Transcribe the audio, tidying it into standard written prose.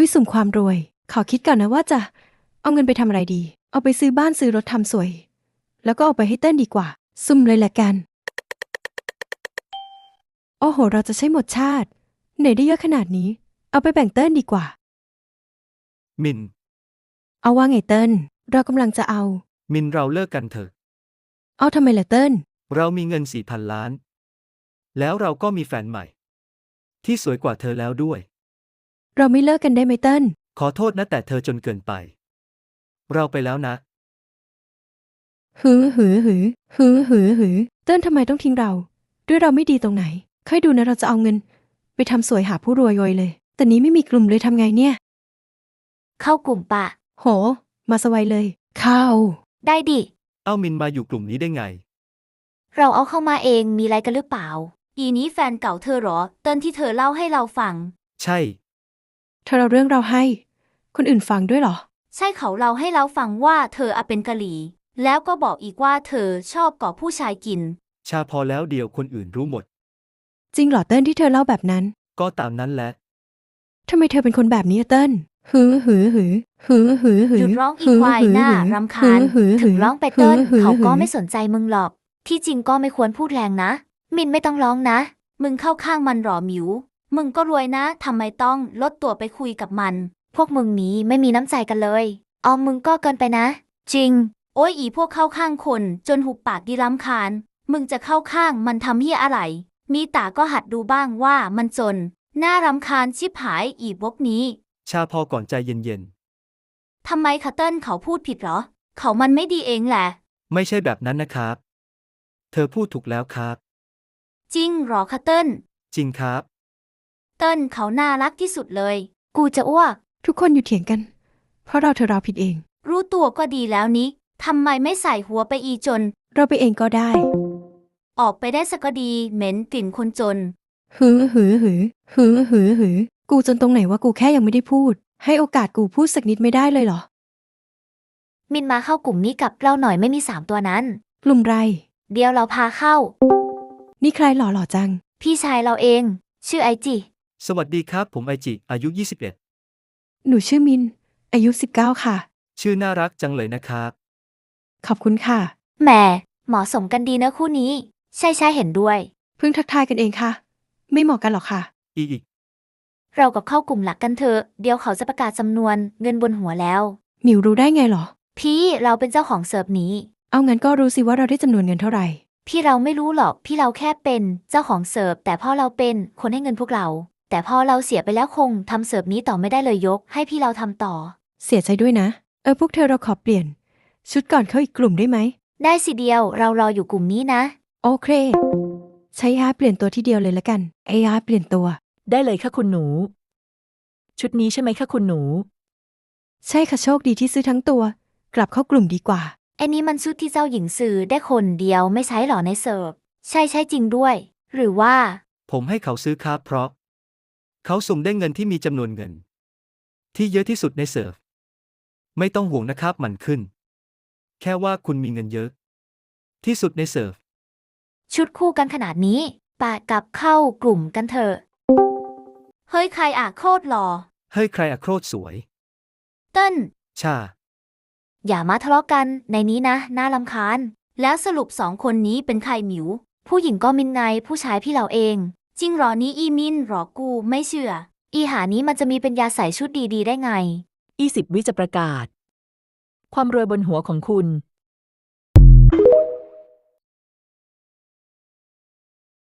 สุ่มความรวยขอคิดก่อนนะว่าจะเอาเงินไปทำอะไรดีเอาไปซื้อบ้านซื้อรถทำสวยแล้วก็เอาไปให้เต้นดีกว่าซุ่มเลยแหละกันโอ้โหเราจะใช้หมดชาติไหนได้เยอะขนาดนี้เอาไปแบ่งเต้นดีกว่ามินเอาว่าไงเต้นเรากำลังจะเอามินเราเลิกกันเถอะเอาทำไมล่ะเต้นเรามีเงิน4,000 ล้านแล้วเราก็มีแฟนใหม่ที่สวยกว่าเธอแล้วด้วยเราไม่เลิกกันได้ไหมเต้นขอโทษนะแต่เธอจนเกินไปเราไปแล้วนะหือเต้นทำไมต้องทิ้งเราด้วยเราไม่ดีตรงไหนค่อยดูนะเราจะเอาเงินไปทำสวยหาผู้รวยรวยเลยแต่นี้ไม่มีกลุ่มเลยทำไงเนี่ยเข้ากลุ่มปะโหมาสวัยเลยเข้าได้ดิเอามินมาอยู่กลุ่มนี้ได้ไงเราเอาเข้ามาเองมีอะไรกันหรือเปล่าอีนี้แฟนเก่าเธอหรอเติ้นที่เธอเล่าให้เราฟังใช่เธอเราเรื่องเราให้คนอื่นฟังด้วยเหรอใช่เขาเล่าให้เราฟังว่าเธอเป็นกะหรี่แล้วก็บอกอีกว่าเธอชอบก่อผู้ชายกินชาพอแล้วเดี๋ยวคนอื่นรู้หมดจริงเหรอเติ้ลที่เธอเล่าแบบนั้นก็ตามนั้นแหละทำไมเธอเป็นคนแบบนี้อะเติ้ลหยุดร้องอีควายหน้ารำคาญถึงร้องไปเติ้ลเขาก็ไม่สนใจมึงหรอกที่จริงก็ไม่ควรพูดแรงนะมินไม่ต้องร้องนะมึงเข้าข้างมันหรอหมิวมึงก็รวยนะทำไมต้องลดตัวไปคุยกับมันพวกมึงนี้ไม่มีน้ำใจกันเลยมึงก็เกินไปนะจริงโอ้ยอีพวกเข้าข้างคนจนหุบปากดีรำคาญมึงจะเข้าข้างมันทำเหี้ยอะไรมีตาก็หัดดูบ้างว่ามันจนน่ารำคาญชิบหายอีพวกนี้ชาพอก่อนใจเย็นทำไมคะเติ้ลเขาพูดผิดเหรอเขามันไม่ดีเองแหละๆไม่ใช่แบบนั้นนะครับเธอพูดถูกแล้วครับจริงหรอคะเติ้ลจริงครับเติ้ลเขาน่ารักที่สุดเลยกูจะอ้วกทุกคนอยู่เถียงกันเพราะเราผิดเองรู้ตัวก็ดีแล้วนี้ทำไมไม่ใส่หัวไปอีจนเราไปเองก็ได้ออกไปได้สักก็ดีเหม็นกลิ่นคนจนกูจนตรงไหนว่ากูแค่ยังไม่ได้พูดให้โอกาสกูพูดสักนิดไม่ได้เลยเหรอมินมาเข้ากลุ่มนี้กับเราหน่อยไม่มี3 ตัวนั้นกลุ่มไรเดี๋ยวเราพาเข้านี่ใครหล่อจังพี่ชายเราเองชื่อไอจิสวัสดีครับผมไอจิอายุ21 หนูชื่อมินอายุ19ค่ะชื่อน่ารักจังเลยนะครับขอบคุณค่ะแหมเหมาะสมกันดีนะคู่นี้ใช่เห็นด้วยเพิ่งทักทายกันเองค่ะไม่เหมาะกันหรอกค่ะอีกเรากับเข้ากลุ่มหลักกันเถอะเดี๋ยวเขาจะประกาศจำนวนเงินบนหัวแล้วหมิวรู้ได้ไงหรอพี่เราเป็นเจ้าของเสิร์ฟนี้เอางั้นก็รู้สิว่าเราได้จำนวนเงินเท่าไหร่พี่เราไม่รู้หรอกพี่เราแค่เป็นเจ้าของเสิร์ฟแต่พ่อเราเป็นคนให้เงินพวกเราแต่พอเราเสียไปแล้วคงทำเสิร์ฟนี้ต่อไม่ได้เลยยกให้พี่เราทำต่อเสียใจด้วยนะพวกเธอเราขอเปลี่ยนชุดก่อนเข้าอีกกลุ่มได้ไหมได้สิเดียวเรารออยู่กลุ่มนี้นะโอเคใช้AIเปลี่ยนตัวที่เดียวเลยละกัน AI เปลี่ยนตัวได้เลยค่ะคุณหนูชุดนี้ใช่ไหมคะคุณหนูใช่ค่ะโชคดีที่ซื้อทั้งตัวกลับเข้ากลุ่มดีกว่าไอ้นี้มันชุดที่เจ้าหญิงซื้อได้คนเดียวไม่ใช้หรอในเสิร์ฟใช่จริงด้วยหรือว่าผมให้เขาซื้อครับเพราะเขาสุ่มได้เงินที่มีจำนวนเงินที่เยอะที่สุดในเสิร์ฟไม่ต้องห่วงนะครับมันขึ้นแค่ว่าคุณมีเงินเยอะที่สุดในเสิร์ฟชุดคู่กันขนาดนี้ปะกับเข้ากลุ่มกันเถอะเฮ้ยใครโคตรหล่อเฮ้ยใครโคตรสวยเติ้ลชาอย่ามาทะเลาะกันในนี้นะน่ารำคาญแล้วสรุป2 คนนี้เป็นใครหมิวผู้หญิงก็มินไงผู้ชายพี่เราเองจริงหรอนี้อีมินหรอกูไม่เชื่ออีหานี้มันจะมีปัญญาใส่ชุดดีๆได้ไง 20 วิจะประกาศความรวยบนหัวของคุณ